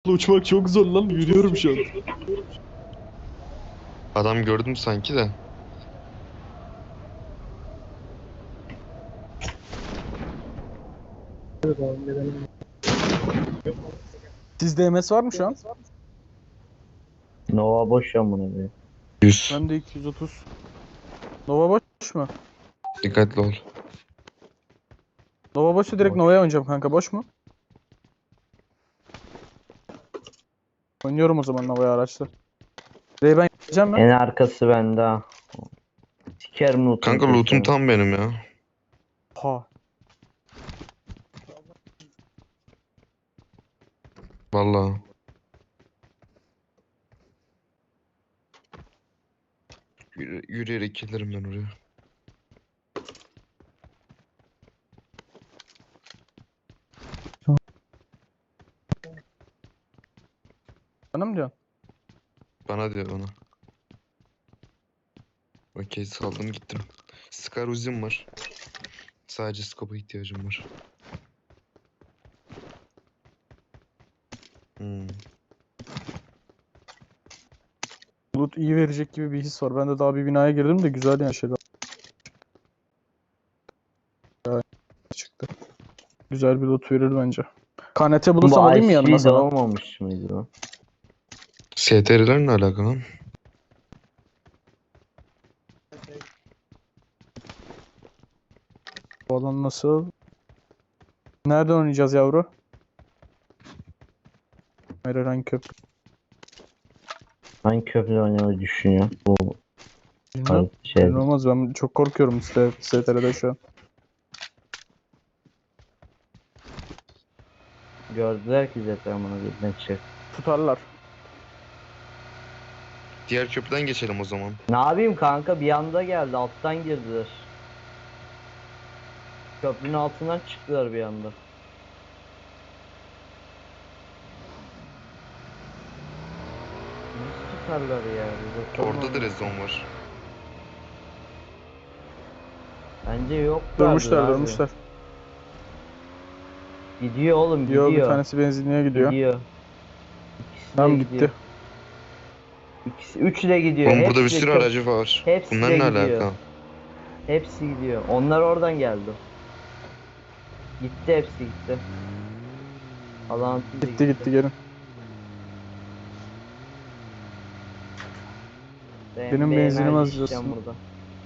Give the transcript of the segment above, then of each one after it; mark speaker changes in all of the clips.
Speaker 1: Uçmak çok zor lan. Yürüyorum şu an.
Speaker 2: Adam gördüm sanki de.
Speaker 1: Sizde MS var mı şu an?
Speaker 3: Nova boş ya bunu be.
Speaker 2: 100.
Speaker 1: Bende 230. Nova boş mu?
Speaker 2: Dikkatli ol.
Speaker 1: Nova boşsa direkt
Speaker 3: Boş.
Speaker 1: Nova'ya oynayacağım kanka. Boş mu? Oynuyorum o zaman Nova'ya araçla. Buraya ben gideceğim mi?
Speaker 3: En arkası bende ha. Sikerim loot'unu
Speaker 2: Kanka lootum
Speaker 3: köşeme.
Speaker 2: tam benim ya.
Speaker 1: Ha.
Speaker 2: Vallahi. Yürüyerek gelirim ben oraya.
Speaker 1: Bana mı diyorsun?
Speaker 2: Bana diyor bana. Okey saldım gittim. Scar Uzi'm var. Sadece scope'a ihtiyacım var. Hmm.
Speaker 1: Loot iyi verecek gibi bir his var. Ben de daha bir binaya girdim de güzel yani şeyler çıktı. Güzel bir loot verir bence. KNT bulursam
Speaker 3: Bu
Speaker 1: alayım mı yanıma
Speaker 3: IC
Speaker 1: sana?
Speaker 3: olmamış mıydı o?
Speaker 2: STR'ler ne alaka lan?
Speaker 1: Bu alan nasıl? Nereden oynayacağız yavru? Herhangi köprü.
Speaker 3: Hangi köprüde oynamayı düşünüyor? Bu
Speaker 1: Bilmem.
Speaker 3: şey.
Speaker 1: Belli olmaz. Ben çok korkuyorum STR'de şu an.
Speaker 3: Gördüler ki zaten bunu bir çık.
Speaker 1: Tutarlar.
Speaker 2: Diğer köprüden geçelim o zaman.
Speaker 3: Ne yapayım kanka, bir anda geldi, alttan girdiler. Köprünün altından çıktılar bir anda. Nasıl tutarlar ya? Bir bakalım
Speaker 2: Orada da
Speaker 3: ona.
Speaker 2: rezon var.
Speaker 3: Bence yoklardır
Speaker 1: Dönmüşler
Speaker 3: abi.
Speaker 1: dönmüşler.
Speaker 3: Gidiyor oğlum,
Speaker 1: Diyor bir
Speaker 3: gidiyor.
Speaker 1: tanesi benzinliğe gidiyor.
Speaker 3: Gidiyor. İkisi de
Speaker 1: Tamam
Speaker 3: gidiyor.
Speaker 1: gitti.
Speaker 3: Üçü de gidiyor.
Speaker 2: Oğlum burada bir
Speaker 3: Hepsi de
Speaker 2: sürü aracı var.
Speaker 3: hepsi
Speaker 2: Bunlar
Speaker 3: de
Speaker 2: ne
Speaker 3: gidiyor.
Speaker 2: alaka?
Speaker 3: Hepsi gidiyor. Onlar oradan geldi. Gitti, hepsi gitti. Alan
Speaker 1: Gitti gitti gelin. Benim
Speaker 3: Bir
Speaker 1: benzinim
Speaker 3: enerji
Speaker 1: az
Speaker 3: içeceğim
Speaker 1: diyorsun.
Speaker 3: burada.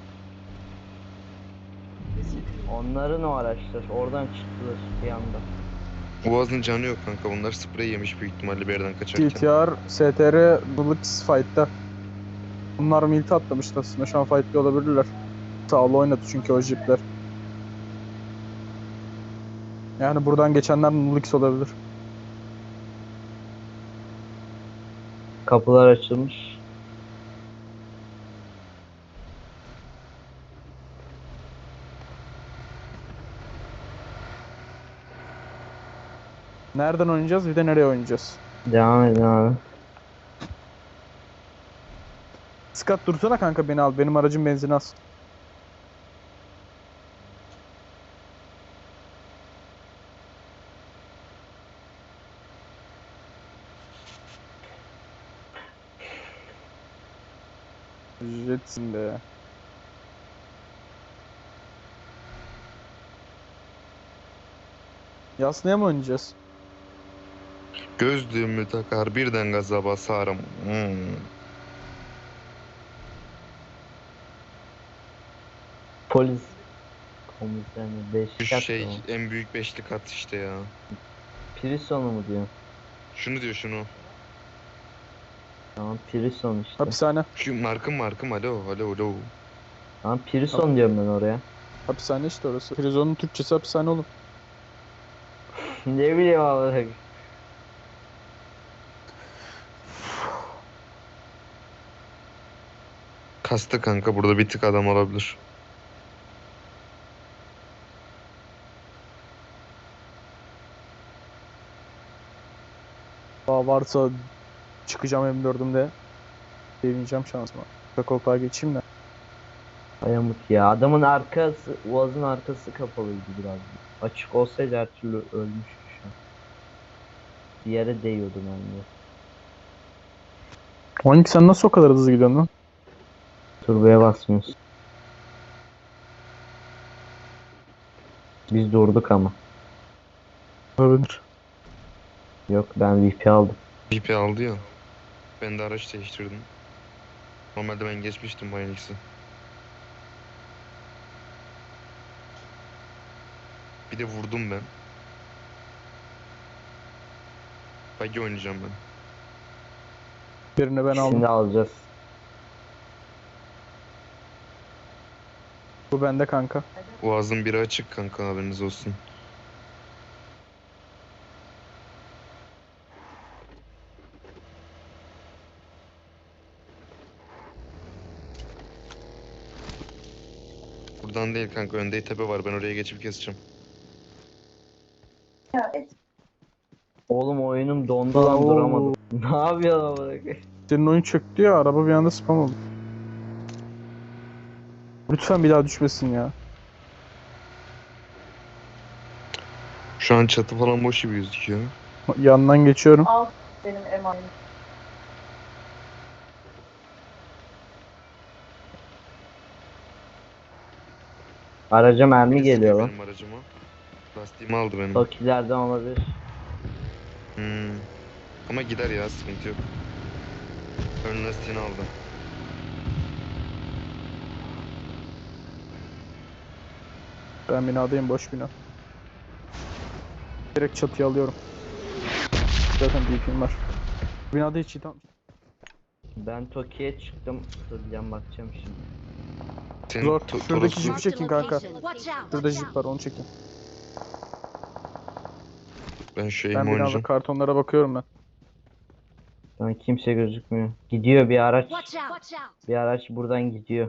Speaker 3: Onların o araçlar oradan çıktılar bir anda.
Speaker 2: Boğaz'ın canı yok kanka. Bunlar sprey yemiş büyük ihtimalle bir yerden kaçarken.
Speaker 1: TTR, STR, Blitz fight'ta. Bunlar milti atlamıştı aslında. Şu an fight'ta olabilirler. Sağlı oynadı çünkü o jipler. Yani buradan geçenler Nulix olabilir.
Speaker 3: Kapılar açılmış.
Speaker 1: Nereden oynayacağız bir de nereye oynayacağız?
Speaker 3: Devam edin abi.
Speaker 1: Scott dursana kanka beni al. Benim aracın benzini az. Jetsin be. Yasnaya mı oynayacağız?
Speaker 2: Gözlüğümü takar birden gaza basarım.
Speaker 3: Polis komiserini 5
Speaker 2: Şu
Speaker 3: kat
Speaker 2: şey
Speaker 3: mı?
Speaker 2: en büyük beşli kat işte ya.
Speaker 3: Prison'u mu diyor?
Speaker 2: Şunu diyor şunu.
Speaker 3: Tamam, Prison işte.
Speaker 1: Hapishane.
Speaker 2: Şu markım alo alo alo.
Speaker 3: Tamam, Prison diyorum ben oraya.
Speaker 1: Hapishane işte orası. Prizonun Türkçesi hapishane oğlum.
Speaker 3: Ne bileyim abi.
Speaker 2: Kastı kanka burada bir tık adam olabilir.
Speaker 1: Daha varsa çıkacağım M4'ümde. Deneyeceğim şansıma. Koltuğa geçeyim de.
Speaker 3: Ayamut ya. Adamın arkası, Uaz'ın arkası kapalıydı biraz. Açık olsaydı her türlü ölmüştü şu an. Bir yere değiyordu bende.
Speaker 1: Onik sen nasıl o kadar hızlı gidiyorsun lan?
Speaker 3: Turboya basmıyoruz. Biz durduk ama.
Speaker 1: Olabilir.
Speaker 3: Yok, ben VP aldım.
Speaker 2: BP aldı ya. Ben de araç değiştirdim. Normalde ben geçmiştim Bayonix'i. Bir de vurdum ben. Buggy oynayacağım ben.
Speaker 1: Birini ben aldım.
Speaker 3: Şimdi alacağız.
Speaker 1: Bu bende kanka.
Speaker 2: Boğazın biri açık kanka, haberiniz olsun. Buradan değil kanka, önde tepe var, ben oraya geçip keseceğim.
Speaker 3: Oğlum oyunum dondu lan,
Speaker 1: Oo.
Speaker 3: duramadım. Ne yapıyorsun amına koyayım?
Speaker 1: Senin oyun çöktü ya, araba bir anda spam oldu. Lütfen bir daha düşmesin ya.
Speaker 2: Şu an çatı falan boş gibi gözüküyor.
Speaker 1: Yandan geçiyorum.
Speaker 4: Al benim emanet.
Speaker 3: Araca mermi
Speaker 2: Birisi
Speaker 3: geliyor
Speaker 2: sıkıyor
Speaker 3: lan.
Speaker 2: benim aracıma. Lastiğimi aldı benim.
Speaker 3: Tokilerden olabilir.
Speaker 2: Hmm. Ama gider ya, sıkıntı yok. Ön lastiğini aldı.
Speaker 1: Ben binadayım, boş bina. Direkt çatıya alıyorum. Zaten DP'm var. Binada hiç iyi tamam.
Speaker 3: Ben Toki'ye çıktım. Duracağım, bakacağım şimdi.
Speaker 2: Senin
Speaker 1: Zor.
Speaker 2: to-
Speaker 1: Şuradaki
Speaker 2: Toros'u-
Speaker 1: jipi çekin kanka.
Speaker 5: Watch out!
Speaker 1: Şurada jip var, onu çekin.
Speaker 2: Ben şu
Speaker 1: Ben
Speaker 2: aim'i
Speaker 1: binada
Speaker 2: oynayacağım.
Speaker 1: kartonlara bakıyorum ben.
Speaker 3: Lan kimse gözükmüyor. Gidiyor bir araç.
Speaker 5: Watch out!
Speaker 3: Bir araç buradan gidiyor.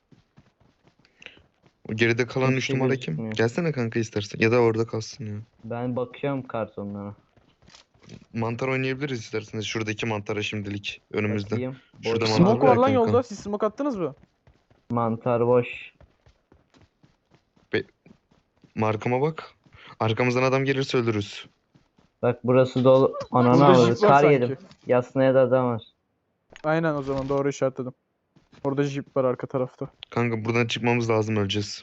Speaker 2: O geride kalan
Speaker 3: Kimse
Speaker 2: 3 numara kim?
Speaker 3: gözükmüyor.
Speaker 2: Gelsene kanka istersen. Ya da orada kalsın ya.
Speaker 3: Ben bakıyorum kartonlara.
Speaker 2: Mantar oynayabiliriz isterseniz. Şuradaki mantara şimdilik. Önümüzde.
Speaker 3: Bakayım.
Speaker 2: Şurada
Speaker 3: Boş.
Speaker 2: mantar
Speaker 1: Smoke var lan
Speaker 2: kanka.
Speaker 1: yolda. Siz smoke attınız mı?
Speaker 3: Mantar boş.
Speaker 2: Markama bak. Arkamızdan adam gelirse öldürürüz.
Speaker 3: Bak burası dolu. Ananı
Speaker 1: Burada
Speaker 3: avradı.
Speaker 1: jip var
Speaker 3: Kar
Speaker 1: sanki.
Speaker 3: yedim. Yasnaya da adam var.
Speaker 1: Aynen, o zaman doğru işaretledim. Orada jip var arka tarafta.
Speaker 2: Kanka buradan çıkmamız lazım, öleceğiz.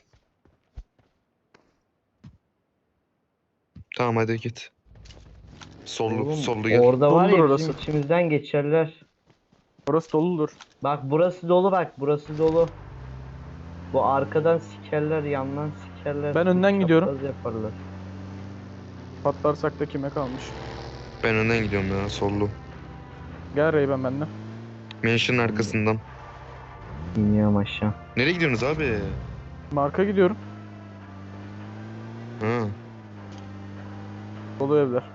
Speaker 2: Tamam hadi git. Sollu,
Speaker 3: Oğlum,
Speaker 2: sollu gel.
Speaker 3: orada var ya
Speaker 1: Doludur
Speaker 3: bizim
Speaker 1: orası.
Speaker 3: içimizden geçerler.
Speaker 1: Orası doludur.
Speaker 3: Bak burası dolu, bak burası dolu. Bu arkadan sikerler, yandan sikerler.
Speaker 1: Ben önden gidiyorum.
Speaker 3: Çapraz yaparlar.
Speaker 1: Patlarsak da kime kalmış?
Speaker 2: Ben önden gidiyorum ya, sollu.
Speaker 1: Gel Reyben benimle.
Speaker 2: Mansion'ın arkasından.
Speaker 3: İniyorum aşağı.
Speaker 2: Nereye gidiyorsunuz abi?
Speaker 1: Marka gidiyorum.
Speaker 2: Ha.
Speaker 1: Dolu evler.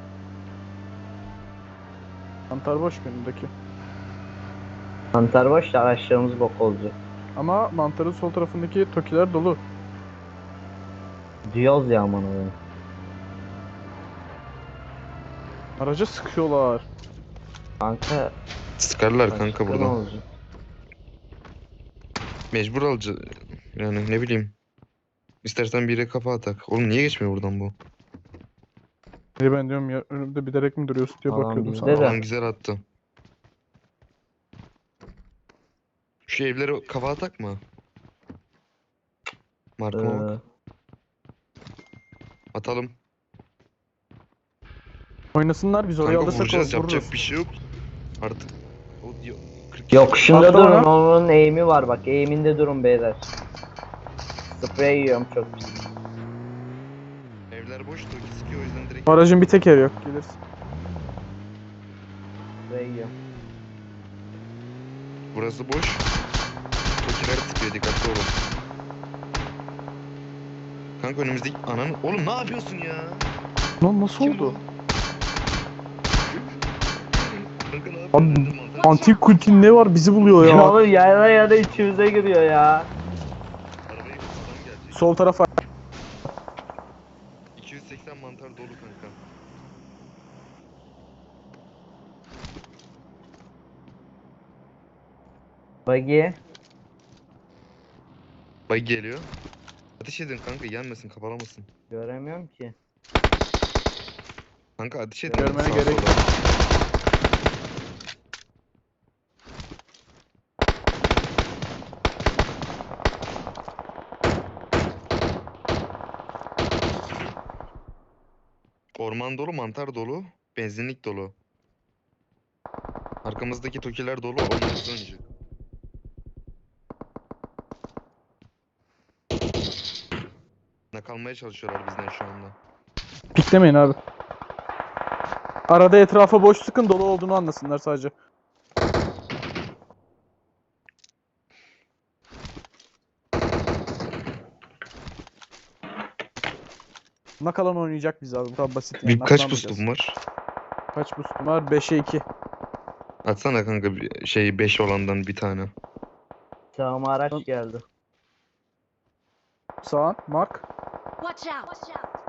Speaker 1: Mantar boş önümdeki.
Speaker 3: Mantar boş da araçlarımız bok olacak.
Speaker 1: Ama mantarın sol tarafındaki tokiler dolu.
Speaker 3: Diyoruz ya aman oğlum.
Speaker 1: Araca sıkıyorlar.
Speaker 3: Kanka.
Speaker 2: Sıkarlar kanka
Speaker 3: başka ne
Speaker 2: buradan.
Speaker 3: olacak?
Speaker 2: Mecbur alacağız. Yani ne bileyim. İstersen bir yere kafa atak. Oğlum niye geçmiyor buradan bu?
Speaker 1: Ben diyorum ya, önümde bilerek mi duruyorsun diye
Speaker 3: Alan
Speaker 1: bakıyordum
Speaker 3: bizde
Speaker 1: sana.
Speaker 3: de.
Speaker 2: Adam güzel attı. Şu evlere kafa atak mı? Markama bak. Atalım.
Speaker 1: Oynasınlar, biz oraya
Speaker 2: Kanka
Speaker 1: alırsak
Speaker 2: vuracağız,
Speaker 1: vururuz.
Speaker 2: yapacak bir şey yok. Artık. O diyor. 40
Speaker 3: Yokuşunda
Speaker 1: Atla
Speaker 3: durun,
Speaker 1: ona.
Speaker 3: onun eğimi var bak, eğiminde durun beyler. Sprey yiyorum çok pis.
Speaker 2: Evler boş, Toki sıkıyor, o yüzden direkt.
Speaker 1: Aracın bir tekeri yok, gelirsin.
Speaker 3: Sprey yiyorum.
Speaker 2: Burası boş. Tokiler sıkıyor, dikkatli olun. Kanka önümüzdeki ananı. Oğlum ne yapıyorsun ya?
Speaker 1: Lan nasıl
Speaker 2: Kim
Speaker 1: oldu?
Speaker 2: bu? Kanka ne
Speaker 1: Abi,
Speaker 2: yapıyorsun? Dedim, mantar-
Speaker 1: Antik kutin ne var, bizi buluyor
Speaker 3: Ya
Speaker 1: ya.
Speaker 3: oğlum yana yana içimize giriyor ya.
Speaker 2: Arabayı adam gelecek.
Speaker 1: Sol tarafa.
Speaker 2: 280 mantar dolu kanka.
Speaker 3: Buggy.
Speaker 2: Bay geliyor. Ateş edin kanka, yenmesin, kapalamasın.
Speaker 3: Göremiyorum ki.
Speaker 2: Kanka ateş et.
Speaker 1: Görmene
Speaker 2: Sağa
Speaker 1: gerek
Speaker 2: sola. Orman dolu, mantar dolu, benzinlik dolu. Arkamızdaki tokiler dolu, onlar bizi oynayacak. Kalmaya çalışıyorlar bizden şu anda.
Speaker 1: Piklemeyin abi. Arada etrafa boş sıkın, dolu olduğunu anlasınlar sadece. Nakalan oynayacak biz abi. Bu kadar basit yani.
Speaker 2: Bir kaç
Speaker 1: Naklanmayacağız.
Speaker 2: boostum var?
Speaker 1: Kaç boostum var? 5'e 2.
Speaker 2: Atsana kanka bir şey 5 olandan bir tane.
Speaker 3: Sağıma araç geldi.
Speaker 1: Sağ. Mark.
Speaker 4: Watch out!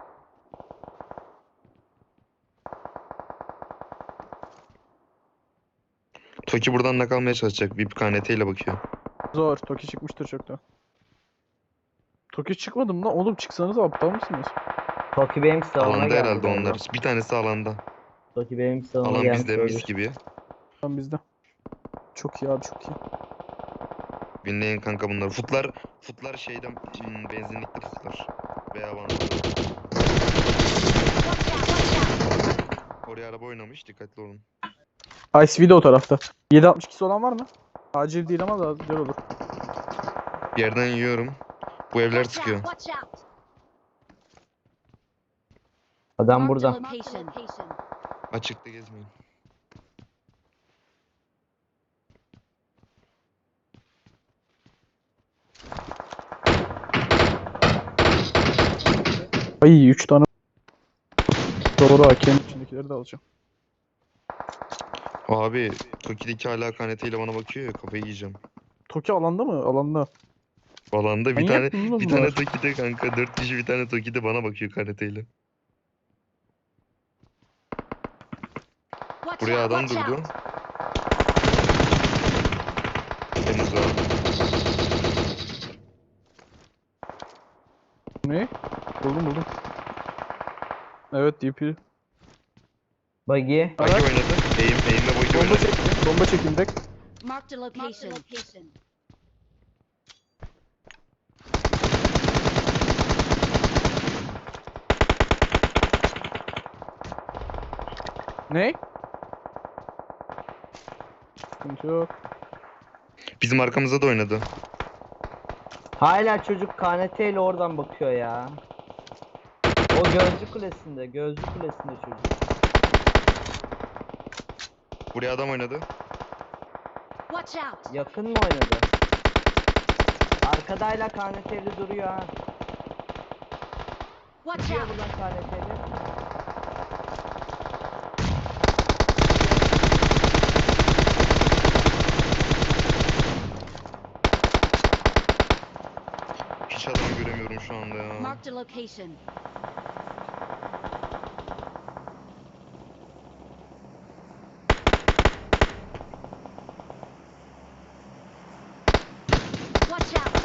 Speaker 2: Toki buradan nakalmaya çalışacak. Bir KNT ile bakıyor.
Speaker 1: Zor. Toki çıkmıştır çoktan. Toki çıkmadım lan. Oğlum çıksanız aptal mısınız?
Speaker 3: Toki benim sağıma
Speaker 2: Alanda
Speaker 3: geldi
Speaker 2: herhalde
Speaker 3: galiba.
Speaker 2: onlar. Bir tanesi alanda.
Speaker 3: Toki benim sağıma
Speaker 2: Alan
Speaker 3: gelmiş
Speaker 2: bizde mis
Speaker 3: olabilir.
Speaker 2: gibi.
Speaker 1: Tam bizde. Çok iyi abi, çok iyi.
Speaker 2: Dinleyin kanka bunlar. Futlar şeyden benzinlikte futlar. Veya van. Oraya araba oynamış. Dikkatli olun.
Speaker 1: ICV de o tarafta. 7.62'si olan var mı? Acil değil ama da güzel olur.
Speaker 2: Bir yerden yiyorum. Bu evler
Speaker 4: Watch
Speaker 2: sıkıyor.
Speaker 4: out! Watch out!
Speaker 3: Adam
Speaker 4: Marked a
Speaker 3: burada.
Speaker 4: location.
Speaker 2: Açıkta gezmeyin.
Speaker 1: Ay 3 tane. Doğru, hakemin içindekileri de alacağım.
Speaker 2: Abi Toki'deki hala KNT ile bana bakıyor ya, kafayı yiyeceğim.
Speaker 1: Toki alanda mı? Alanda.
Speaker 2: Alanda bir
Speaker 1: Manyak
Speaker 2: tane
Speaker 1: mı lan
Speaker 2: bir
Speaker 1: bunlar?
Speaker 2: tane Toki'de kanka 4 kişi bir tane Toki'de bana bakıyor KNT ile.
Speaker 4: Watch
Speaker 2: Buraya
Speaker 4: out!
Speaker 2: adam
Speaker 4: Watch
Speaker 2: durdu.
Speaker 4: out!
Speaker 2: Henüz daha.
Speaker 1: Ne? Buldum. Evet, DP.
Speaker 3: Buggy.
Speaker 2: Bagi
Speaker 1: Evet.
Speaker 2: oynadı. Eğimle Bagi
Speaker 1: Bomba
Speaker 2: oynadı.
Speaker 1: çektim. Bomba çektim direkt.
Speaker 4: Marked a location.
Speaker 1: Ne? Sıkıntı yok.
Speaker 2: Bizim arkamıza da oynadı.
Speaker 3: Hala çocuk KNT ile oradan bakıyor ya. O gözcü kulesinde. Gözcü kulesinde çocuk.
Speaker 2: Buraya adam oynadı.
Speaker 4: Watch out!
Speaker 3: Yakın mı oynadı? Arkadayla KNT'li duruyor ha.
Speaker 4: Watch
Speaker 3: Gidiyor
Speaker 4: out!
Speaker 3: buradan KNT'li.
Speaker 2: Hiç adamı göremiyorum şu anda ya.
Speaker 4: Marked a location. Watch out!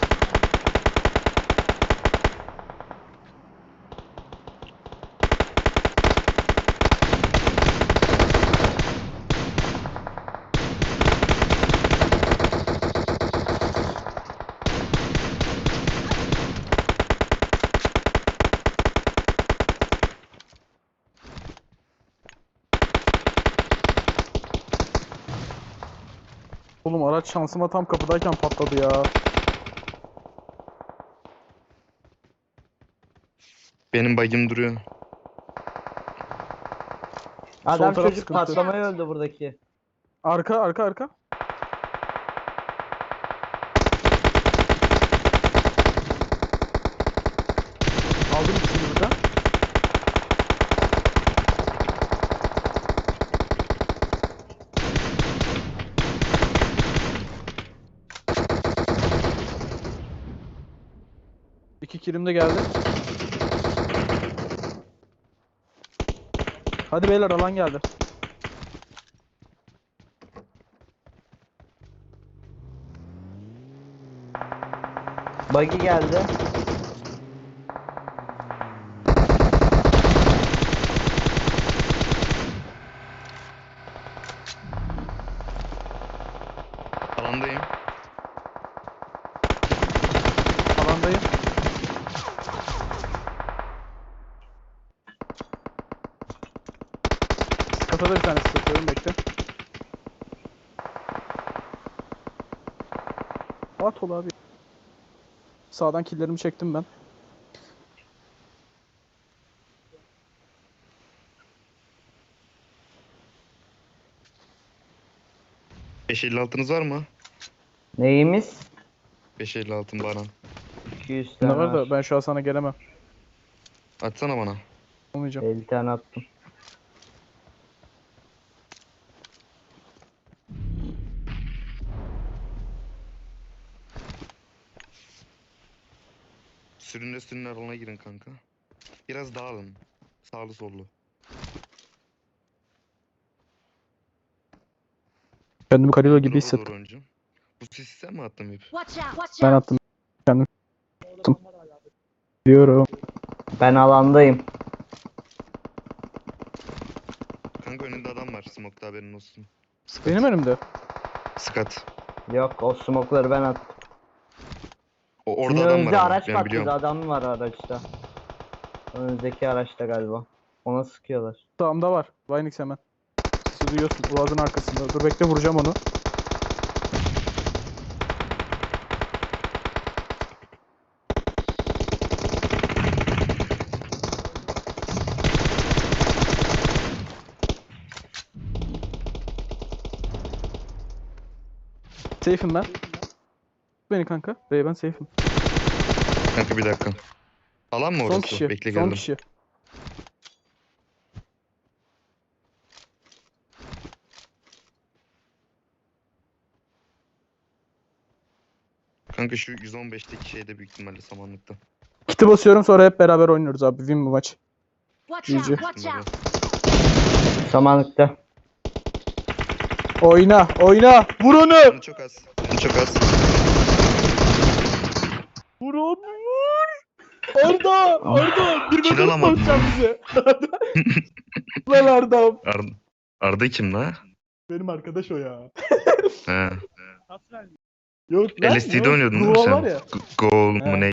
Speaker 1: Oğlum araç şansıma tam kapıdayken patladı ya.
Speaker 2: Benim bagim duruyor.
Speaker 3: Adam
Speaker 1: taraf
Speaker 3: çocuk
Speaker 1: sıkıntı.
Speaker 3: patlamaya öldü buradaki.
Speaker 1: Arka. Aldım ikisini burada. İki kilim de geldi. Hadi beyler, alan geldi.
Speaker 3: Buggy geldi.
Speaker 2: Alandayım.
Speaker 1: Alandayım. Kafada bir tane sıkıyorum, bekle. At ol abi. Sağdan killerimi çektim ben.
Speaker 2: .556'nız var mı?
Speaker 3: Neyimiz?
Speaker 2: 556'ın Baran.
Speaker 3: 200
Speaker 1: Ne
Speaker 3: tane
Speaker 1: var da
Speaker 3: var.
Speaker 1: ben şu an sana gelemem.
Speaker 2: Atsana bana.
Speaker 1: Olmayacağım.
Speaker 3: 50 tane attım.
Speaker 2: Sürünle alana girin kanka. Biraz dağılın. Sağlı sollu.
Speaker 1: Kendimi Kalilo gibi
Speaker 2: Drop'a
Speaker 1: hissettim.
Speaker 2: doğru oynayacağım. Bu sisi sen mi attın hep?
Speaker 4: Watch out! Watch
Speaker 1: Ben
Speaker 4: out!
Speaker 1: attım. Kendim attım. Diyorum.
Speaker 3: Ben alandayım.
Speaker 2: Kanka önünde adam var. Smoke'da haberin olsun. Skat.
Speaker 1: Benim önümde.
Speaker 2: Skat.
Speaker 3: Yok, o smoke'ları ben attım.
Speaker 2: Orada
Speaker 3: Şimdi
Speaker 2: adam var
Speaker 3: önümüzde
Speaker 2: ama.
Speaker 3: araç
Speaker 2: Ben
Speaker 3: patladı.
Speaker 2: biliyorum.
Speaker 3: Adam var araçta. Önümüzdeki araçta galiba. Ona sıkıyorlar.
Speaker 1: Sağımda var. Vinix hemen. Sesi duyuyorsun. Boğazın arkasında. Dur bekle, vuracağım onu. Safe'im ben. Beni kanka. Ben safe'im.
Speaker 2: Kanka bir dakika. Alan mı orası?
Speaker 1: Son kişi.
Speaker 2: Bekle
Speaker 1: Son
Speaker 2: geldim.
Speaker 1: kişi.
Speaker 2: Kanka şu 115'teki şeyde büyük ihtimalle samanlıkta.
Speaker 1: Kiti basıyorum, sonra hep beraber oynuyoruz abi. Win bu maç.
Speaker 4: Watch out!
Speaker 1: GG.
Speaker 4: Watch out!
Speaker 3: Samanlıkta.
Speaker 1: Oyna. Oyna. Vur onu.
Speaker 2: Canı çok az. Canı çok az.
Speaker 1: Vur onu. Vur. Arda. Arda. Bir
Speaker 2: Kill
Speaker 1: bebek
Speaker 2: alamadım.
Speaker 1: bakacağım bize. Lan Arda.
Speaker 2: Arda kim la?
Speaker 1: Benim arkadaş o ya.
Speaker 2: He.
Speaker 1: Yok lan.
Speaker 2: LSD'de
Speaker 1: yok.
Speaker 2: oynuyordun değil mi
Speaker 1: Duo
Speaker 2: sen?
Speaker 1: var ya.
Speaker 2: Gol
Speaker 1: He.
Speaker 2: mu ne?